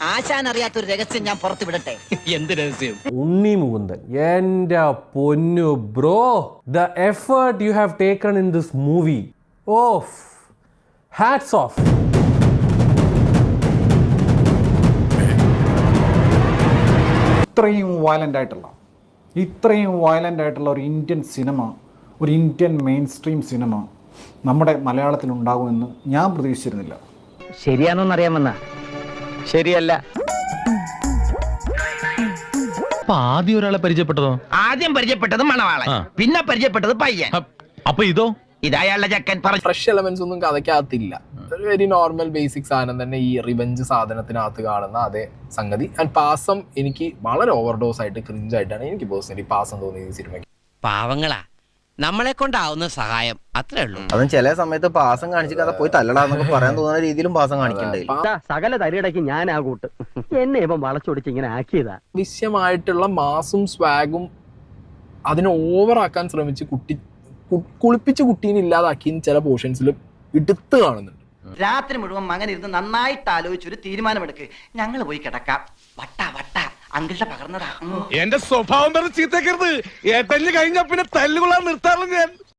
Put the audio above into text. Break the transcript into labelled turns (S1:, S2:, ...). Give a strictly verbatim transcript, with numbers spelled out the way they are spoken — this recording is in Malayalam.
S1: ആശാൻ അറിയാത്തൊരു രഹസ്യം ഞാൻ പുറത്തു വിടട്ടെ.
S2: എന്ത് രഹസ്യം?
S3: ഉണ്ണി മുകുന്ദൻ, എന്റെ പൊന്നു bro, the effort you have taken in this movie, off, hats off.
S4: ഇത്രയും വയലൻ്റ് ആയിട്ടുള്ള ഇത്രയും വയലൻ്റ് ആയിട്ടുള്ള ഒരു ഇന്ത്യൻ സിനിമ, ഒരു ഇന്ത്യൻ മെയിൻ സ്ട്രീം സിനിമ നമ്മുടെ മലയാളത്തിൽ ഉണ്ടാകുമെന്ന് ഞാൻ പ്രതീക്ഷിച്ചിരുന്നില്ല.
S5: ശരിയാണോന്നറിയാമെന്ന ശരിയല്ല.
S2: അപ്പൊ ആദ്യം ഒരാളെ പരിചയപ്പെട്ടതോ?
S5: ആദ്യം പരിചയപ്പെട്ടത് മണവാളൻ, പിന്നെ പരിചയപ്പെട്ടത് പയ്യൻ.
S2: അപ്പൊ ഇതോ?
S5: ഇതായുള്ള ചക്കൻ പറഞ്ഞു.
S6: ഫ്രഷ് എലമെന്റ്സ് ഒന്നും കഥയ്ക്കകത്തില്ല. ഒരു വെരി നോർമൽ ബേസിക് സാധനം തന്നെ ഈ റിവെഞ്ച് സാധനത്തിനകത്ത് കാണുന്ന അതേ സംഗതി. ആൻഡ് പാസം എനിക്ക് വളരെ ഓവർഡോസ് ആയിട്ട് ക്രിഞ്ചായിട്ടാണ് എനിക്ക് പേഴ്സണലി പാസം തോന്നിയത് ഈ സിനിമയ്ക്ക്.
S7: പാവങ്ങളാ, നമ്മളെ കൊണ്ടാവുന്ന സഹായം അത്രേ ഉള്ളൂ.
S8: അതും ചില സമയത്ത് പാസം കാണിച്ച് കഥ പോയി തല്ലടാന്നൊക്കെ പറയാൻ തോന്നുന്ന രീതിയിലും പാസം കാണിക്കണ്ടായില്ല.
S5: സകല തരിടയ്ക്ക് ഞാൻ ആ കൂട്ട് എന്നെ ഇപ്പം വളച്ചൊടിച്ച് ഇങ്ങനെ ആക്കിയതാ.
S6: വിശ്യമായിട്ടുള്ള മാസും സ്വാഗും അതിനെ ഓവറാക്കാൻ ശ്രമിച്ച് കുട്ടി കുളിപ്പിച്ച് കുട്ടീനെ ഇല്ലാതാക്കി ചില പോർഷൻസിൽ എടുത്ത് കാണുന്നുണ്ട്.
S1: രാത്രി മുഴുവൻ മകൻ ഇരുന്ന് നന്നായിട്ട് ആലോചിച്ചൊരു തീരുമാനമെടുക്ക്. ഞങ്ങൾ പോയി കിടക്കാം. വട്ട വട്ട അങ്കിളുടെ പകർന്നതാ.
S2: എന്റെ സ്വഭാവം ചീത്തക്കരുത്. ഏട്ടല് കഴിഞ്ഞ പിന്നെ തല്ലുകൊള്ളാൻ നിർത്താറുള്ളൂ ഞാൻ.